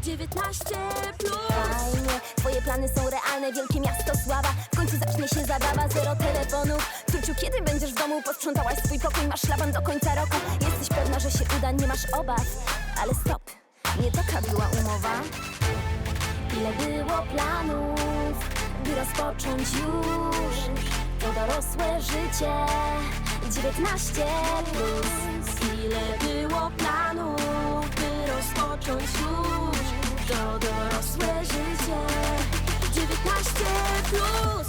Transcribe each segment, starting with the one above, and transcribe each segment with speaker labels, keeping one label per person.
Speaker 1: 19+. Fajnie, twoje plany są realne, wielkie miasto sława. W końcu zacznie się zabawa, zero telefonów. Turciu, kiedy będziesz w domu? Posprzątałaś swój pokój, masz szlaban do końca roku. Jesteś pewna, że się uda, nie masz obaw. Ale stop, nie taka była umowa. Ile było planów, by rozpocząć już to dorosłe życie 19+. Ile było planów, by rozpocząć już to dorosłe życie 19+.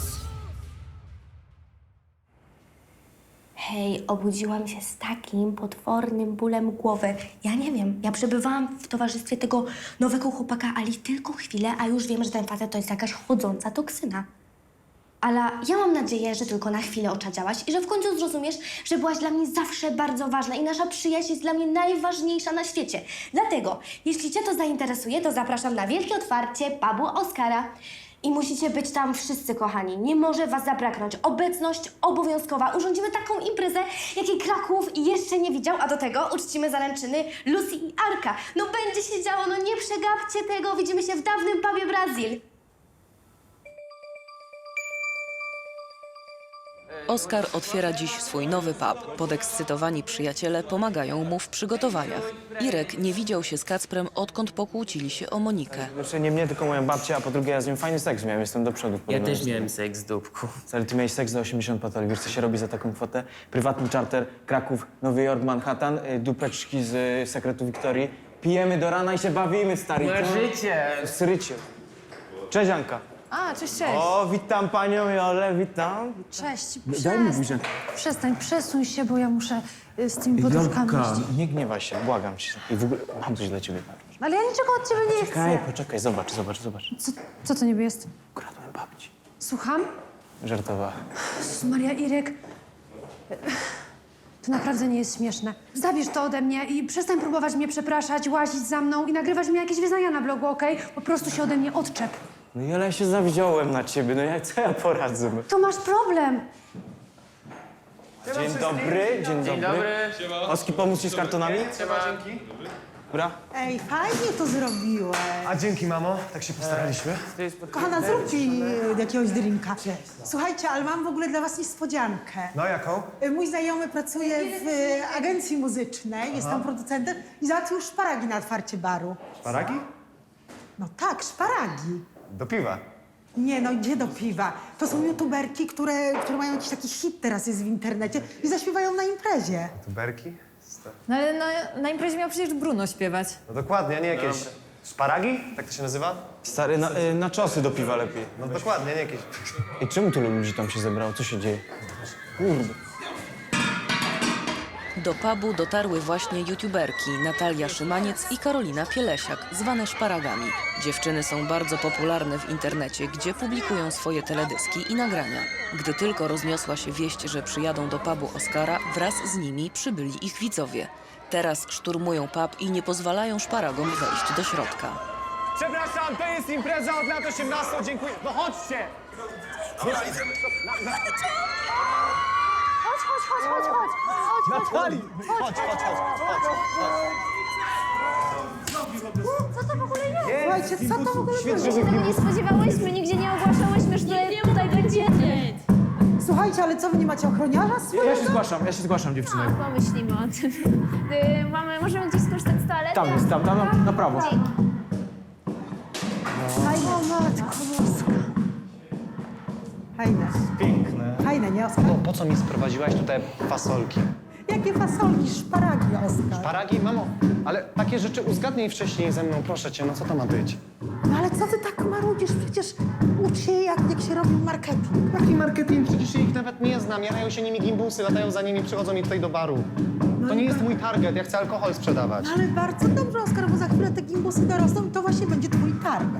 Speaker 2: Hej, obudziłam się z takim potwornym bólem głowy. Ja nie wiem, ja przebywałam w towarzystwie tego nowego chłopaka Ali tylko chwilę, a już wiem, że ten facet to jest jakaś chodząca toksyna. Ale ja mam nadzieję, że tylko na chwilę oczadziałaś i że w końcu zrozumiesz, że byłaś dla mnie zawsze bardzo ważna i nasza przyjaźń jest dla mnie najważniejsza na świecie. Dlatego, jeśli cię to zainteresuje, to zapraszam na wielkie otwarcie pubu Oskara. I musicie być tam wszyscy, kochani. Nie może was zabraknąć. Obecność obowiązkowa. Urządzimy taką imprezę, jakiej Kraków jeszcze nie widział, a do tego uczcimy zaręczyny Lucy i Arka. No będzie się działo, no nie przegapcie tego. Widzimy się w dawnym pubie Brazil.
Speaker 3: Oskar otwiera dziś swój nowy pub. Podekscytowani przyjaciele pomagają mu w przygotowaniach. Irek nie widział się z Kacprem, odkąd pokłócili się o Monikę.
Speaker 4: Znaczy nie mnie, tylko moją babcię, a po drugie ja z nią fajny seks miałem, jestem do przodu.
Speaker 5: Ja też miałem seks, dupku.
Speaker 4: Ale ty miałeś seks za 80 patoli, wiesz co się robi za taką kwotę? Prywatny charter, Kraków, Nowy Jork, Manhattan, dupeczki z sekretu Wiktorii. Pijemy do rana i się bawimy, stary.
Speaker 5: Marzycie!
Speaker 4: Srycie. Cześć, Anka.
Speaker 6: A, cześć.
Speaker 4: O, witam panią Jolę, witam.
Speaker 6: Cześć.
Speaker 4: Daj mi buzię.
Speaker 6: Przestań, przesuń się, bo ja muszę z tymi poduszkami jeździć.
Speaker 4: Nie gniewaj się, błagam cię. I w ogóle mam coś dla ciebie.
Speaker 6: Ale ja niczego od ciebie nie chcę.
Speaker 4: Poczekaj, zobacz.
Speaker 6: Co to niby jest?
Speaker 4: Ukradłem babci.
Speaker 6: Słucham?
Speaker 4: Żartowała.
Speaker 6: Jezus Maria, Irek. To naprawdę nie jest śmieszne. Zabierz to ode mnie i przestań próbować mnie przepraszać, łazić za mną i nagrywać mi jakieś wyznania na blogu, okej? Po prostu się ode mnie odczep.
Speaker 4: No Jola, ja się zawziąłem na ciebie, co ja poradzę?
Speaker 6: To masz problem.
Speaker 4: Dzień dobry, dzień dobry. Oski, pomóc ci z kartonami? Dobra.
Speaker 7: Ej, fajnie to zrobiłeś.
Speaker 8: A dzięki, mamo. Tak się postaraliśmy.
Speaker 7: Kochana, zrób ci jakiegoś drinka. Słuchajcie, ale mam w ogóle dla was niespodziankę.
Speaker 8: No, jaką?
Speaker 7: Mój znajomy pracuje w agencji muzycznej, jest tam producentem i załatwił szparagi na otwarcie baru.
Speaker 8: Szparagi?
Speaker 7: No tak, szparagi.
Speaker 8: Do piwa.
Speaker 7: Nie no, gdzie do piwa? To są youtuberki, które mają jakiś taki hit teraz jest w internecie i zaśpiewają na imprezie.
Speaker 8: Tuberki?
Speaker 9: No ale na imprezie miał przecież Bruno śpiewać.
Speaker 8: No dokładnie, nie jakieś... Szparagi? Tak to się nazywa?
Speaker 4: Stary, na czosy do piwa lepiej.
Speaker 8: No dokładnie, nie jakieś...
Speaker 4: I czemu tylu ludzi tam się zebrało? Co się dzieje? Kurde.
Speaker 3: Do pubu dotarły właśnie youtuberki Natalia Szymaniec i Karolina Pielesiak, zwane szparagami. Dziewczyny są bardzo popularne w internecie, gdzie publikują swoje teledyski i nagrania. Gdy tylko rozniosła się wieść, że przyjadą do pubu Oskara, wraz z nimi przybyli ich widzowie. Teraz szturmują pub i nie pozwalają szparagom wejść do środka.
Speaker 8: Przepraszam, to jest impreza od lat 18, dziękuję. No chodźcie! Natalii! Chodź.
Speaker 6: Co to w ogóle jest?
Speaker 7: Słuchajcie, co to w ogóle
Speaker 8: Świetnie,
Speaker 7: było?
Speaker 8: że
Speaker 9: Tego nie spodziewałyśmy, nigdzie nie ogłaszałyśmy, że tutaj będziemy.
Speaker 7: Słuchajcie, ale co, wy nie macie ochroniarza swojego?
Speaker 4: Ja się zgłaszam, dziewczyny.
Speaker 9: Pomyślimy o tym. Możemy gdzieś skorzystać z toalety?
Speaker 4: Tam jest, tam na prawo.
Speaker 7: O matko boska. Fajne.
Speaker 8: Piękne.
Speaker 7: Fajne, nie, Oskar?
Speaker 8: Po co mi sprowadziłaś tutaj fasolki?
Speaker 7: Jakie fasolki, szparagi, Oskar.
Speaker 8: Szparagi? Mamo, ale takie rzeczy uzgadnij wcześniej ze mną, proszę cię, no co to ma być?
Speaker 7: No ale co ty tak marudzisz? Przecież ucz się, jak się robi marketing.
Speaker 8: Jaki marketing? Przecież ja ich nawet nie znam, jarają się nimi gimbusy, latają za nimi, przychodzą mi tutaj do baru. To nie jest mój target, ja chcę alkohol sprzedawać.
Speaker 7: No ale bardzo dobrze, Oskar, bo za chwilę te gimbusy dorosną i to właśnie będzie twój target.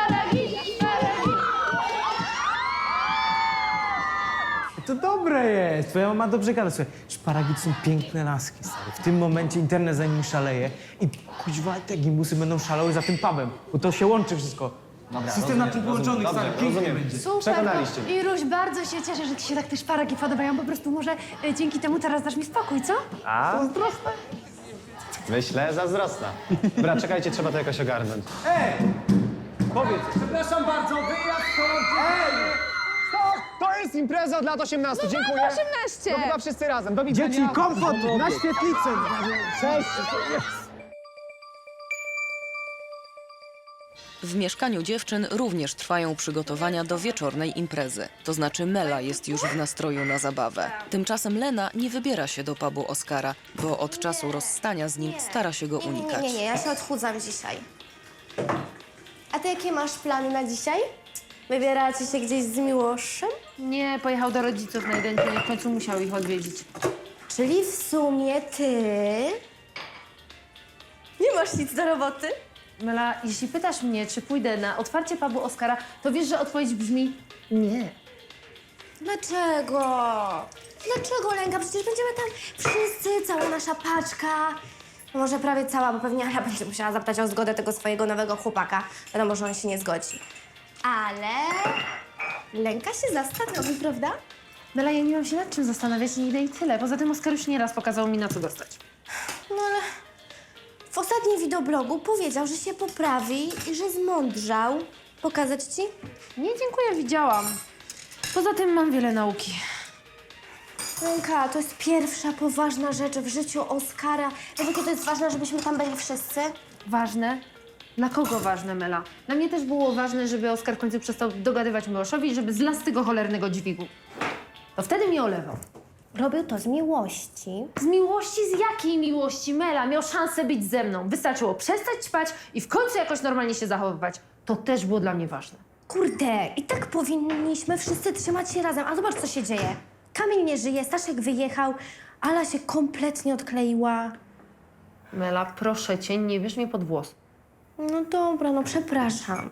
Speaker 4: To dobre jest, twoja mama dobrze gada. Słuchaj, szparagi to są piękne laski, stary. W tym momencie internet za nimi szaleje i kuźwa, te gimbusy będą szalały za tym pubem, bo to się łączy wszystko. System na tym połączony, stary, pięknie będzie.
Speaker 6: Super,
Speaker 8: Przekonaliście mnie.
Speaker 6: Iruś, bardzo się cieszę, że ci się tak te szparagi podobają. Po prostu może dzięki temu teraz dasz mi spokój, co?
Speaker 8: A? Myślę, zazdrosna. Dobra, czekajcie, trzeba to jakoś ogarnąć.
Speaker 4: Powiedz, przepraszam bardzo, wyjazd stąd!
Speaker 8: Stop! To jest impreza od lat 18, dziękuję.
Speaker 9: 18!
Speaker 8: To chyba wszyscy razem, do widzenia.
Speaker 4: Dzieci, komfort na świetlicy! Cześć!
Speaker 3: W mieszkaniu dziewczyn również trwają przygotowania do wieczornej imprezy. To znaczy Mela jest już w nastroju na zabawę. Tymczasem Lena nie wybiera się do pubu Oskara, bo od czasu rozstania z nim stara się go unikać.
Speaker 2: Nie, ja się odchudzam dzisiaj. A ty jakie masz plany na dzisiaj? Wybieracie się gdzieś z Miłoszem?
Speaker 9: Nie, pojechał do rodziców na jeden dzień, w końcu musiał ich odwiedzić.
Speaker 2: Czyli w sumie ty... Nie masz nic do roboty?
Speaker 9: Mela, jeśli pytasz mnie, czy pójdę na otwarcie pubu Oskara, to wiesz, że odpowiedź brzmi nie.
Speaker 2: Dlaczego? Dlaczego, Lenka? Przecież będziemy tam wszyscy, cała nasza paczka. No może prawie cała, bo pewnie Ala będzie musiała zapytać o zgodę tego swojego nowego chłopaka. Wiadomo, że on się nie zgodzi. Ale... Lenka się zastanowi, prawda?
Speaker 9: Mela, ja nie mam się nad czym zastanawiać, nie idę i tyle. Poza tym Oskar już nieraz pokazał mi, na co dostać.
Speaker 2: No ale... W ostatnim wideoblogu powiedział, że się poprawi i że zmądrzał. Pokazać ci?
Speaker 9: Nie, dziękuję, widziałam. Poza tym mam wiele nauki.
Speaker 2: Lenka, to jest pierwsza poważna rzecz w życiu Oskara. Wiesz, jakie to jest ważne, żebyśmy tam byli wszyscy?
Speaker 9: Ważne? Dla kogo ważne, Mela? Dla mnie też było ważne, żeby Oskar w końcu przestał dogadywać Miłoszowi i żeby zlazł z tego cholernego dźwigu. To wtedy mnie olewał.
Speaker 2: Robił to z miłości.
Speaker 9: Z miłości? Z jakiej miłości, Mela? Miał szansę być ze mną. Wystarczyło przestać ćpać i w końcu jakoś normalnie się zachowywać. To też było dla mnie ważne.
Speaker 2: Kurde, i tak powinniśmy wszyscy trzymać się razem. A zobacz, co się dzieje. Kamil nie żyje, Staszek wyjechał, Ala się kompletnie odkleiła.
Speaker 9: Mela, proszę cię, nie bierz mnie pod włos.
Speaker 2: No dobra, no przepraszam.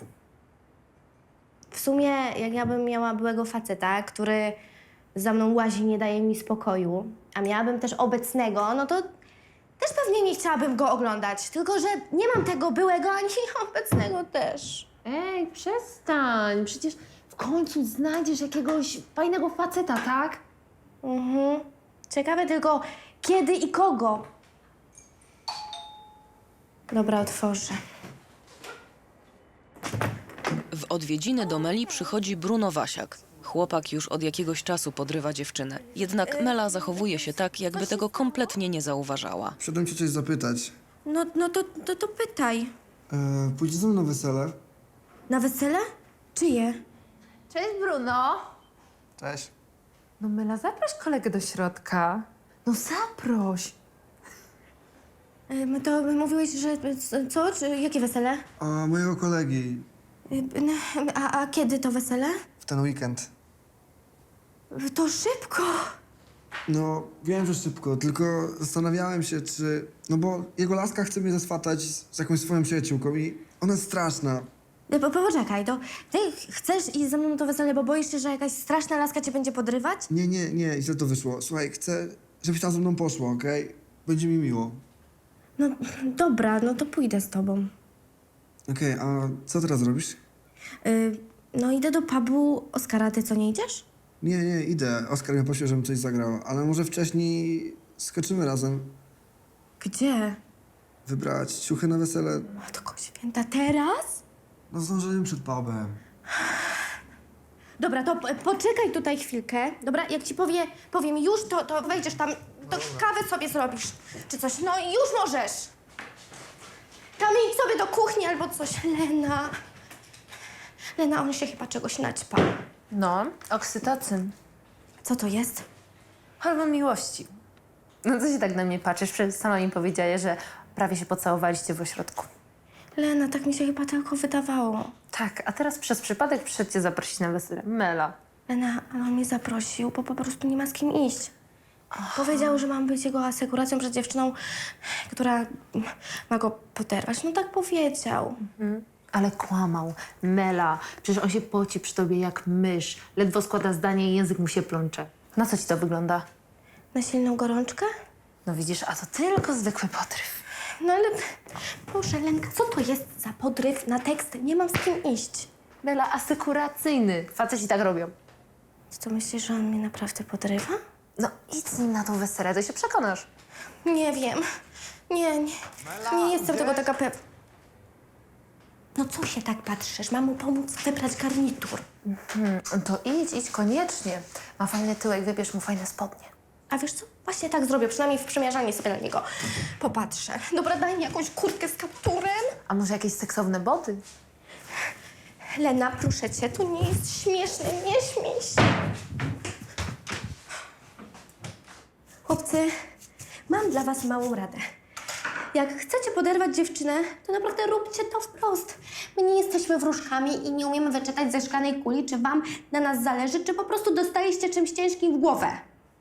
Speaker 2: W sumie, jak ja bym miała byłego faceta, który za mną łazi, nie daje mi spokoju, a miałabym też obecnego, no to też pewnie nie chciałabym go oglądać. Tylko że nie mam tego byłego, ani obecnego też.
Speaker 9: Ej, przestań. Przecież w końcu znajdziesz jakiegoś fajnego faceta, tak?
Speaker 2: Mhm. Ciekawe tylko, kiedy i kogo. Dobra, otworzę.
Speaker 3: W odwiedziny do Meli przychodzi Bruno Wasiak. Chłopak już od jakiegoś czasu podrywa dziewczynę. Jednak Mela zachowuje się tak, jakby tego kompletnie nie zauważała.
Speaker 10: Przyszedłem cię coś zapytać.
Speaker 2: No to pytaj.
Speaker 10: Pójdziesz ze mną na wesele?
Speaker 2: Na wesele? Czyje?
Speaker 9: Cześć, Bruno.
Speaker 10: Cześć.
Speaker 9: No Mela, zaproś kolegę do środka. No zaproś.
Speaker 2: To mówiłeś, że co? Czy jakie wesele?
Speaker 10: A mojego kolegi
Speaker 2: A kiedy to wesele?
Speaker 10: w ten weekend.
Speaker 2: To szybko.
Speaker 10: No, wiem, że szybko, tylko zastanawiałem się, czy... No bo jego laska chce mnie zaswatać z jakąś swoją przyjaciółką i ona jest straszna.
Speaker 2: Poczekaj, to ty chcesz iść ze mną na to wesele, bo boisz się, że jakaś straszna laska cię będzie podrywać?
Speaker 10: Nie, źle to wyszło. Słuchaj, chcę, żebyś tam ze mną poszła, okej? Będzie mi miło.
Speaker 2: No dobra, no to pójdę z tobą.
Speaker 10: Okej, a co teraz robisz?
Speaker 2: No idę do pubu Oskara, ty co, nie idziesz?
Speaker 10: Nie, idę. Oskar mnie prosił, żebym coś zagrał, ale może wcześniej skoczymy razem.
Speaker 2: Gdzie?
Speaker 10: Wybrać ciuchy na wesele.
Speaker 2: Matko święta, teraz?
Speaker 10: No zdążyłem przed pubem.
Speaker 2: Dobra, to poczekaj tutaj chwilkę. Dobra, jak ci powiem już, to wejdziesz tam, to kawę sobie zrobisz, czy coś. No i już możesz. Tam idź sobie do kuchni albo coś. Lena, on się chyba czegoś naćpał.
Speaker 9: No, oksytocyn.
Speaker 2: Co to jest?
Speaker 9: Hormon miłości. No co się tak na mnie patrzysz? Przecież sama mi powiedziałeś, że prawie się pocałowaliście w ośrodku.
Speaker 2: Lena, tak mi się chyba tylko wydawało.
Speaker 9: Tak, a teraz przez przypadek przyszedł cię zaprosić na wesele. Mela.
Speaker 2: Lena, ale on mnie zaprosił, bo po prostu nie ma z kim iść. Powiedział, że mam być jego asekuracją przed dziewczyną, która ma go poderwać. No tak powiedział.
Speaker 9: Ale kłamał. Mela. Przecież on się poci przy tobie jak mysz. Ledwo składa zdanie i język mu się plącze. Na co ci to wygląda?
Speaker 2: Na silną gorączkę?
Speaker 9: No widzisz, a to tylko zwykły podryw.
Speaker 2: No ale proszę, Lenka, co to jest za podryw na tekst? Nie mam z kim iść.
Speaker 9: Mela, asekuracyjny. Faceci tak robią.
Speaker 2: Co myślisz, że on mnie naprawdę podrywa?
Speaker 9: No idź z nim na to wesele, to się przekonasz.
Speaker 2: Nie wiem. Nie jestem tego taka pewna. No co się tak patrzysz? Mam mu pomóc wybrać garnitur.
Speaker 9: To idź koniecznie. Ma fajny tyłek, wybierz mu fajne spodnie.
Speaker 2: A wiesz co? Właśnie tak zrobię, przynajmniej w przymierzalni sobie na niego popatrzę. Dobra, daj mi jakąś kurtkę z kapturem.
Speaker 9: A może jakieś seksowne boty?
Speaker 2: Lena, proszę cię, to nie jest śmieszne, nie śmiej się. Chłopcy, mam dla was małą radę. Jak chcecie poderwać dziewczynę, to naprawdę róbcie to wprost. My nie jesteśmy wróżkami i nie umiemy wyczytać ze szklanej kuli, czy wam na nas zależy, czy po prostu dostaliście czymś ciężkim w głowę.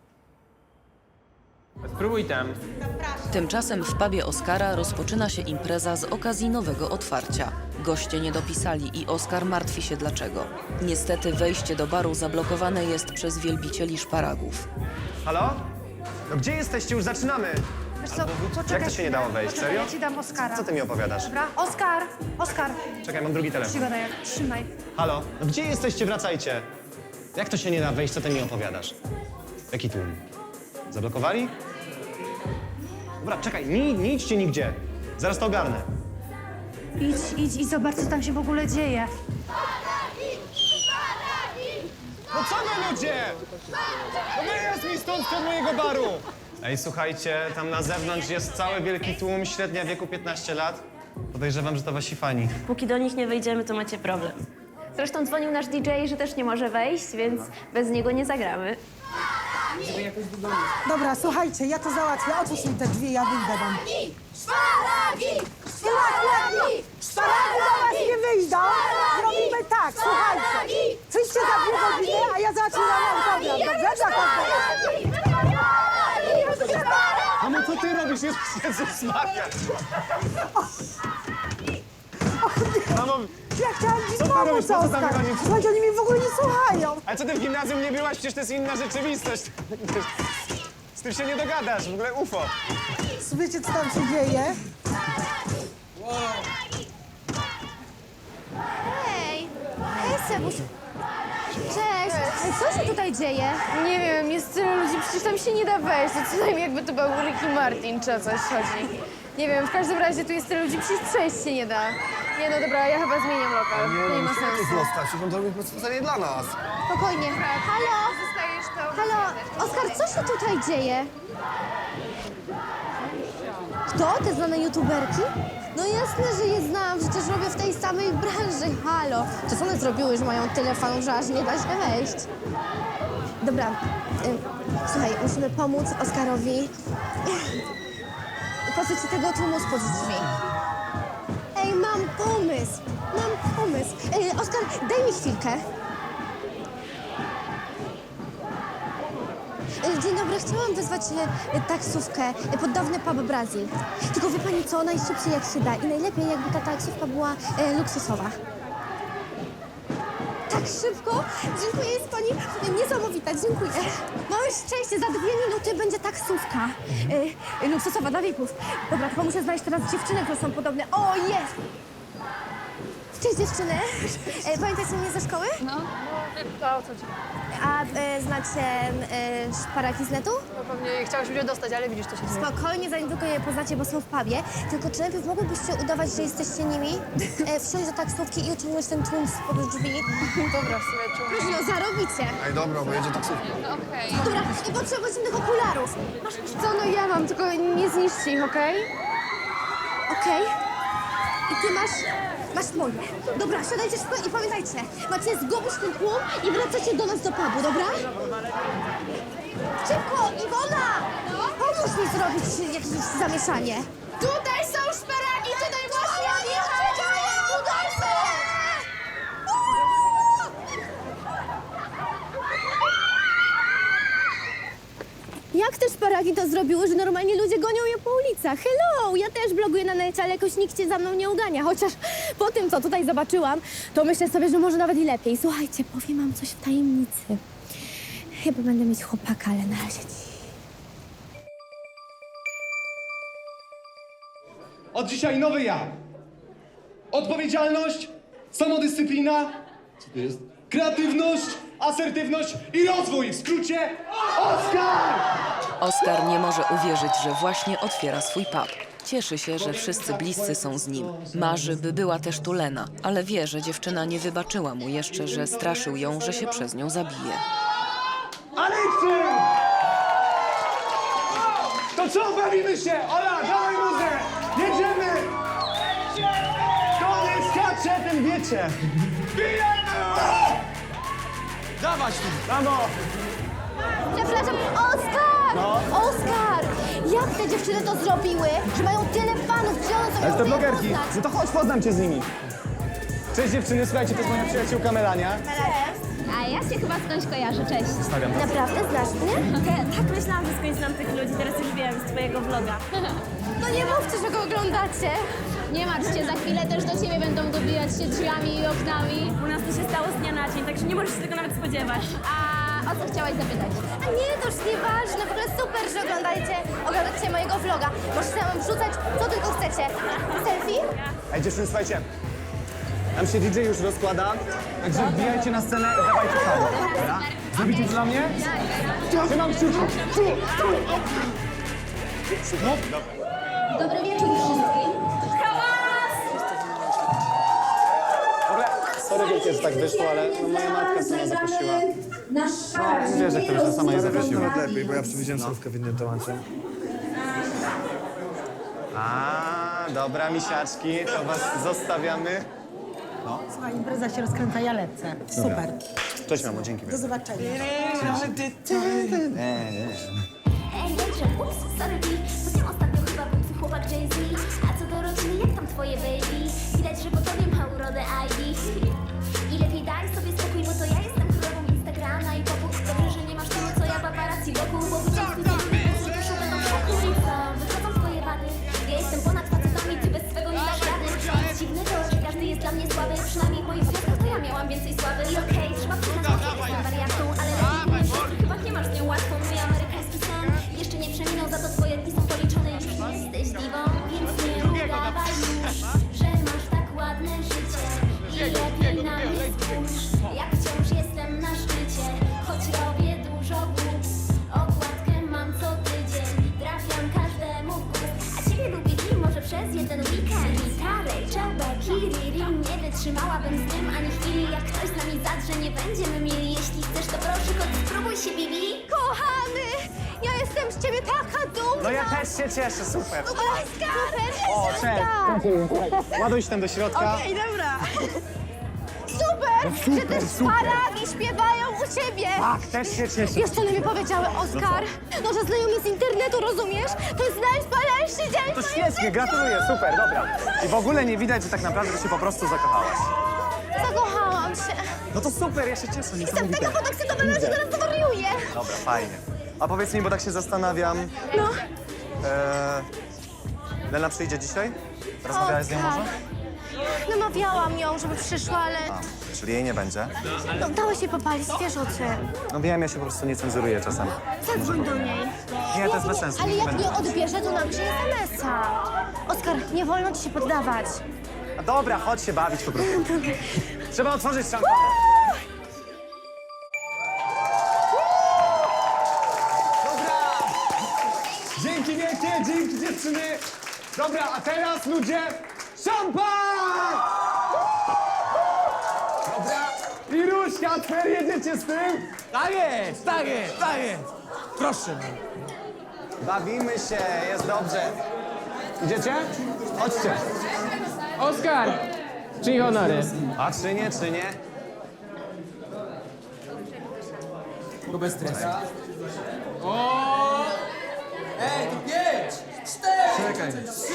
Speaker 5: Spróbuj tam.
Speaker 3: Tymczasem w pubie Oskara rozpoczyna się impreza z okazji nowego otwarcia. Goście nie dopisali i Oskar martwi się dlaczego. Niestety wejście do baru zablokowane jest przez wielbicieli szparagów.
Speaker 8: Halo? No gdzie jesteście? Już zaczynamy!
Speaker 6: Wiesz co,
Speaker 8: Jak to się nie dało wejść?
Speaker 6: Poczekaj,
Speaker 8: Serio?
Speaker 6: ja ci dam Oskara.
Speaker 8: Co ty mi opowiadasz?
Speaker 6: Dobra? Oskar.
Speaker 8: Czekaj, mam drugi telefon.
Speaker 6: Przygoda jak, trzymaj.
Speaker 8: Halo? No gdzie jesteście? Wracajcie! Jak to się nie da wejść? Co ty mi opowiadasz? Jaki tłum? Zablokowali? Dobra, czekaj, nie idźcie nigdzie. Zaraz to ogarnę.
Speaker 6: Idź i zobacz, co tam się w ogóle dzieje.
Speaker 8: No co wy ludzie? No wyjazd mi stąd z mojego baru! Ej, słuchajcie, tam na zewnątrz jest cały wielki tłum, średnia wieku 15 lat. Podejrzewam, że to wasi fani.
Speaker 11: Póki do nich nie wejdziemy, to macie problem. Zresztą dzwonił nasz DJ, że też nie może wejść, więc bez niego nie zagramy.
Speaker 7: Dobra, słuchajcie, ja to załatwię. Otwórz mi te drzwi, ja wyjdę wam.
Speaker 1: Szparagi!
Speaker 7: Szparagi do was nie wyjdą! Zrobimy tak, słuchajcie. Przyjdźcie za 2 godziny, a ja zacznę na program. Dobrze? Dla każdego.
Speaker 8: Mamo, co ty robisz? Jezus Maria! Mamo,
Speaker 7: Ja chciałam ci
Speaker 8: Co ty robisz?
Speaker 7: pomóc,
Speaker 8: Po co tam
Speaker 7: Oskar.
Speaker 8: wychodzisz?
Speaker 7: Słuchajcie, oni mnie w ogóle nie słuchają.
Speaker 8: a co ty w gimnazjum nie byłaś? Przecież to jest inna rzeczywistość. Z tym się nie dogadasz, w ogóle UFO.
Speaker 7: Wiecie, co tam się dzieje?
Speaker 1: Hej, Sebuś. Cześć. Co się tutaj dzieje?
Speaker 9: Nie wiem, jest tyle ludzi, przecież tam się nie da wejść. To co najmniej jakby to był Ricky Martin czy o coś chodzi. Nie wiem, w każdym razie tu jest tyle ludzi, przecież przejść się nie da. Nie no dobra, ja chyba zmieniam lokal. Nie ma sensu.
Speaker 10: Zostaw się, on to robi specjalnie dla nas.
Speaker 1: Spokojnie. Halo?
Speaker 9: Zostajesz to.
Speaker 1: Halo? Oskar, co się tutaj dzieje? Kto? Te znane youtuberki? No jasne, że je znam, przecież robię w tej samej branży. Halo. To co one zrobiły, że mają tyle fanów, że aż nie da się wejść? Dobra, słuchaj, musimy pomóc Oskarowi pozbyć się tego tłumu spod drzwi. Ej, mam pomysł. Oskar, daj mi chwilkę. Dzień dobry, chciałam wezwać taksówkę pod dawny pub Brazil. Tylko wie pani co, najszybciej jak się da i najlepiej jakby ta taksówka była luksusowa. Tak szybko? Dziękuję, jest pani niesamowita, dziękuję. Małe szczęście, za 2 minuty będzie taksówka luksusowa dla VIP-ów. Dobra, tylko muszę znaleźć teraz dziewczyny, które są podobne. O, jest! Cześć dziewczyny. Pamiętacie mnie ze szkoły?
Speaker 9: No, o co ci?
Speaker 1: A znacie szparaki z netu?
Speaker 9: No pewnie chciałaś mnie dostać, ale widzisz, to się dzieje.
Speaker 1: Spokojnie, zanim tylko je poznacie, bo są w pubie. Tylko czy najpierw mogłybyście udawać, że jesteście nimi? Wsiąść do taksówki i uciągnąć ten tłum spod drzwi.
Speaker 9: Dobra, w sumie czuję.
Speaker 1: No, zarobicie.
Speaker 10: Ej, dobra, bo jedzie taksówka.
Speaker 9: Okej.
Speaker 1: Dobra, i potrzebuję tych okularów.
Speaker 9: Masz co, no ja mam, tylko nie zniszczcie ich, okej?
Speaker 1: Okej. I ty masz moje. Dobra, siadajcie szybko i pamiętajcie, macie zgubić ten tłum i wracacie do nas do pubu, dobra? Szybko, Iwona! Pomóż mi zrobić jakieś zamieszanie. Tutaj są szparagi, tutaj właśnie odjechały! Tutaj są! Jak te szparagi to zrobiły, że normalnie ludzie gonią je po ulicach? Hello! Ja też bloguję na necie, ale jakoś nikt się za mną nie ugania. Chociaż po tym, co tutaj zobaczyłam, to myślę sobie, że może nawet i lepiej. Słuchajcie, powiem wam coś w tajemnicy. Chyba będę mieć chłopaka, ale na razie
Speaker 8: Od dzisiaj nowy ja. Odpowiedzialność, samodyscyplina, co to jest? Kreatywność, asertywność i rozwój. W skrócie Oskar!
Speaker 3: Oskar nie może uwierzyć, że właśnie otwiera swój pub. Cieszy się, że wszyscy bliscy są z nim. Marzy, by była też tu Lena, ale wie, że dziewczyna nie wybaczyła mu jeszcze, że straszył ją, że się przez nią zabije.
Speaker 8: Aleksy! To co, bawimy się? Ola, dawaj muzę! Jedziemy! Koniec, skacze, ten wiecie! Bijemy! Dawać tu! Brawo!
Speaker 1: Przepraszam, Oskar! Oskar! Jak te dziewczyny to zrobiły, że mają tyle fanów? Gdzie one są?
Speaker 8: Ale to blogerki. No to chodź, poznam cię z nimi. Cześć dziewczyny, słuchajcie, to jest moja przyjaciółka Melania.
Speaker 11: A ja się chyba skądś kojarzę, cześć.
Speaker 8: Stawiam was.
Speaker 1: Naprawdę znasz mnie?
Speaker 11: Tak myślałam, że skądś znam tych ludzi, teraz już wiem z twojego vloga.
Speaker 9: No nie mówcie, że go oglądacie.
Speaker 11: Nie martw się, za chwilę też do ciebie będą dobijać się drzwiami i oknami. U nas to się stało z dnia na dzień, także nie możesz się tego nawet spodziewać. A o co chciałaś zapytać?
Speaker 1: A nie, to już nieważne. W ogóle super, że oglądacie mojego vloga. Możecie nam wrzucać, co tylko chcecie. Selfie?
Speaker 8: Ej dziewczyny, słuchajcie. Nam się DJ już rozkłada, także wbijajcie na scenę i dawajcie tam. Dobra? Zrobicie to dla mnie? Trzymam kciuki.
Speaker 1: Dobry wieczór wszystkim.
Speaker 8: W ogóle, sorry wiecie, że tak wyszło, ale no, moja matka sama zaprosiła. No, wiesz, jak to już sama je zaprosiła.
Speaker 10: Nawet lepiej, bo ja przewidziałem słówkę w innym temacie.
Speaker 8: A, dobra, misiaczki, to was zostawiamy.
Speaker 7: Słuchaj, impreza się rozkręca, ja lecę. Super.
Speaker 8: Cześć mamo, dzięki.
Speaker 7: Do zobaczenia.
Speaker 1: Ej, dobrze, ups, sorry, to ostatnio chyba był twój chłopak Jay-Z. A co do rodziny, jak tam twoje baby? Widać, że po tobie ma urodę ID. I lepiej daj sobie spokój, bo to ja jestem królową Instagrama i popu. Dobrze, że nie masz tylu, co ja paparazzi wokół, bo widziałam twój film, że już będą wokół. I co, wychodzą twoje wady. Ja jestem ponad facetami, ty bez swego nie dasz rady. Nic dziwnego, że każdy jest dla mnie słaby. Przynajmniej w moich związkach to ja miałam więcej sławy. I okej, trzeba przyznać, że jestem wariatką, ale lepiej nie wiem, chyba nie masz z nią łatwo. Mój amerykański sen jeszcze nie przeminął, za to twoje dni są policzone. Już nie jesteś diwą, więc nie udawaj już, że masz tak ładne życie. I lepiej na mnie spójrz, jak wciąż jestem na szczycie. Choć robię dużo głupstw, okładkę mam co tydzień. Trafiam każdemu w gust, a ciebie lubię i może przez jeden weekend. Gitarę, czabę, kiriri, nie wytrzymałabym z tym ani chwili. Jak ktoś z nami zadrze, nie będziemy mieli. Jeśli chcesz, to proszę, chodź spróbuj się, Bibi. Kochany, ja jestem z ciebie taka dumna.
Speaker 8: No ja też się cieszę, super.
Speaker 1: Oskar!
Speaker 8: O, cześć. Ładuj się tam do środka.
Speaker 1: Okej, dobra. Super, że też szparagi śpiewają u ciebie.
Speaker 8: Tak, też się cieszę.
Speaker 1: Wiesz, co one mi powiedziały, Oskar? No, że znajomi z internetu, rozumiesz? To jest najwspanialszy dzień
Speaker 8: To
Speaker 1: w moim
Speaker 8: świetnie,
Speaker 1: życiu.
Speaker 8: gratuluję, super, dobra. I w ogóle nie widać, że tak naprawdę ty się po prostu zakochałaś.
Speaker 1: Zakochałam się.
Speaker 8: No to super, ja się cieszę,
Speaker 1: Jestem
Speaker 8: niesamowite.
Speaker 1: taka podekscytowana, że zaraz zwariuję.
Speaker 8: Dobra, fajnie. A powiedz mi, bo tak się zastanawiam.
Speaker 1: No.
Speaker 8: Lena przyjdzie dzisiaj? Rozmawiałaś z nią może?
Speaker 1: Namawiałam ją, żeby przyszła, ale
Speaker 8: Czyli jej nie będzie?
Speaker 1: no, dało się popalić, wiesz o czym.
Speaker 8: No wiem, ja się po prostu nie cenzuruję czasem.
Speaker 1: Zadzwoń do niej.
Speaker 8: Nie, to jest bez sensu.
Speaker 1: Ale
Speaker 8: nie
Speaker 1: jak
Speaker 8: będę.
Speaker 1: nie odbierze, to napisz SMS-a. Oskar, nie wolno ci się poddawać.
Speaker 8: A dobra, chodź się bawić po prostu. Trzeba otworzyć szampana. Dobra! Dzięki wielkie, dzięki dziewczyny. Dobra, a teraz ludzie, szampan! Dobra, i Ruśka, Twer, jedziecie z tym?
Speaker 4: Tak jest, tak jest, tak jest. Proszę.
Speaker 8: Bawimy się, jest dobrze. Idziecie? Chodźcie.
Speaker 4: Oskar, czyj honory?
Speaker 8: A czy nie, czy nie?
Speaker 4: Tylko bez stresu.
Speaker 12: Ej, to 5, 4,
Speaker 8: Czekaj.
Speaker 12: 3,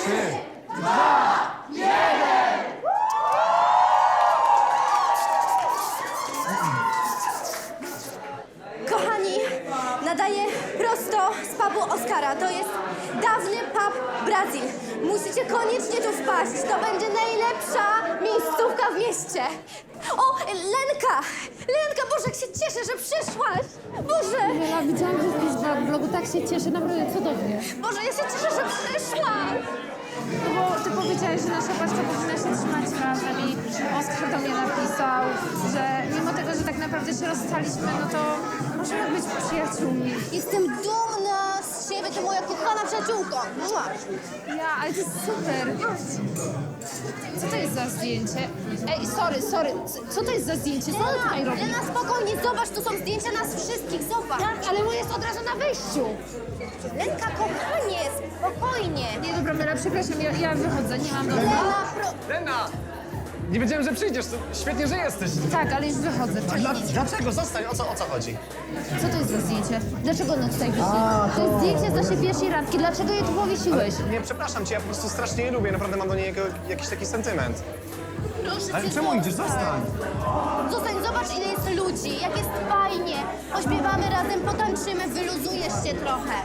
Speaker 1: Kochani, nadaję prosto z pubu Oskara. To jest dawny pub Brazil. Musicie koniecznie tu wpaść. To będzie najlepsza miejscówka w mieście. O, Lenka! Lenka, Boże, jak się cieszę, że przyszłaś! Boże!
Speaker 9: Ja widziałam, że wpis w blogu, tak się cieszę, naprawdę cudownie.
Speaker 1: Boże, ja się cieszę, że przyszłaś!
Speaker 9: No bo ty powiedziałeś, że nasza paczka powinna się trzymać razem i Oskar do mnie napisał, że mimo tego, że tak naprawdę się rozstaliśmy, no to możemy być przyjaciółmi.
Speaker 1: Jestem dumna z siebie,
Speaker 11: jestem moja kochana przyjaciółka. Mua.
Speaker 9: Ja, ale to jest super. Co to jest za zdjęcie? Ej, sorry. Co to jest za zdjęcie? Co ona tutaj robi?
Speaker 11: Lena, spokojnie, zobacz, to są zdjęcia nas wszystkich, zobacz.
Speaker 9: Tak, ale moje jest od razu na wejściu.
Speaker 11: Lenka, kochanie, spokojnie.
Speaker 9: Nie, dobra, Mela, przepraszam, ja wychodzę, nie mam domu.
Speaker 11: Lena,
Speaker 8: Lena! Nie wiedziałem, że przyjdziesz. To świetnie, że jesteś.
Speaker 9: Tak, ale już wychodzę.
Speaker 8: Dlaczego? Zostań. O co chodzi?
Speaker 9: Co to jest za zdjęcie? Dlaczego ono tutaj wisi? To jest zdjęcie z naszej pierwszej randki. Dlaczego je tu powiesiłeś?
Speaker 8: Nie, przepraszam cię, ja po prostu strasznie je lubię. Naprawdę mam do niej jakiś taki sentyment.
Speaker 11: proszę
Speaker 8: Ale
Speaker 11: cię,
Speaker 8: czemu idziesz? Zostań.
Speaker 11: Zostań, zobacz, ile jest ludzi, jak jest fajnie. Pośpiewamy razem, potańczymy, wyluzujesz się trochę.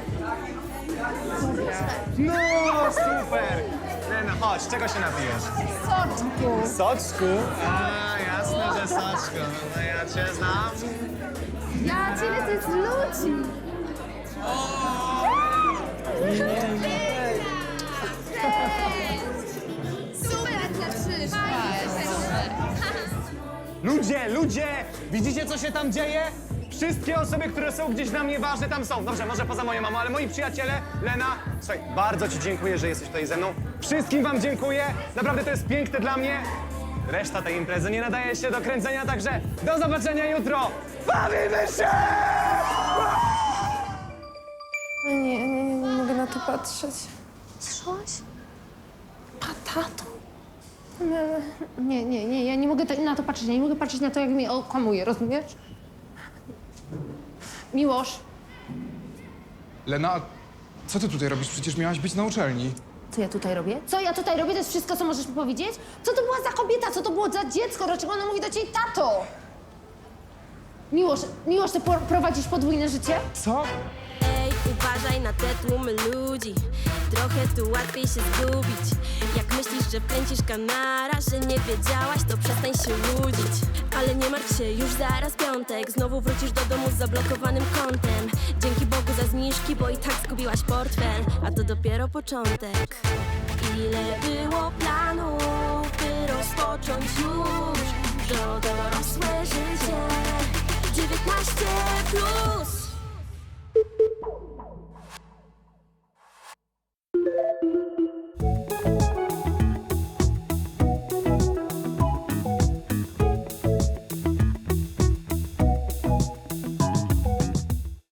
Speaker 8: No, super! Lena, chodź, czego się napijesz?
Speaker 9: Soczku.
Speaker 8: Soczku? A, jasne, że soczku. No ja cię znam.
Speaker 9: Ja ciebie to jest ludzi. Super, że przyszłaś.
Speaker 8: Ludzie! Widzicie, co się tam dzieje? Wszystkie osoby, które są gdzieś dla mnie ważne, tam są. Dobrze, może poza moją mamą, ale moi przyjaciele, Lena, słuchaj, bardzo ci dziękuję, że jesteś tutaj ze mną. Wszystkim wam dziękuję. Naprawdę to jest piękne dla mnie. Reszta tej imprezy nie nadaje się do kręcenia, także do zobaczenia jutro. Bawimy się!
Speaker 9: Nie mogę na to patrzeć.
Speaker 11: Słyszałaś?
Speaker 9: Patato? Nie, ja nie mogę na to patrzeć. Ja nie mogę patrzeć na to, jak mnie okłamuje, rozumiesz? Miłosz,
Speaker 13: Lena, co ty tutaj robisz? Przecież miałaś być na uczelni.
Speaker 9: co ja tutaj robię? Co ja tutaj robię? To jest wszystko, co możesz mi powiedzieć? Co to była za kobieta? Co to było za dziecko? Dlaczego ona mówi do ciebie tato? Miłosz, ty prowadzisz podwójne życie?
Speaker 13: Co?
Speaker 1: Ej, uważaj na te tłumy ludzi. Trochę tu łatwiej się zgubić. Jak myślisz, że plęcisz kanara, że nie wiedziałaś, to przestań się łudzić. Ale nie martw się, już zaraz piątek. Znowu wrócisz do domu z zablokowanym kontem. Dzięki Bogu za zniżki, bo i tak zgubiłaś portfel. A to dopiero początek. Ile było planów, by rozpocząć już to dorosłe życie.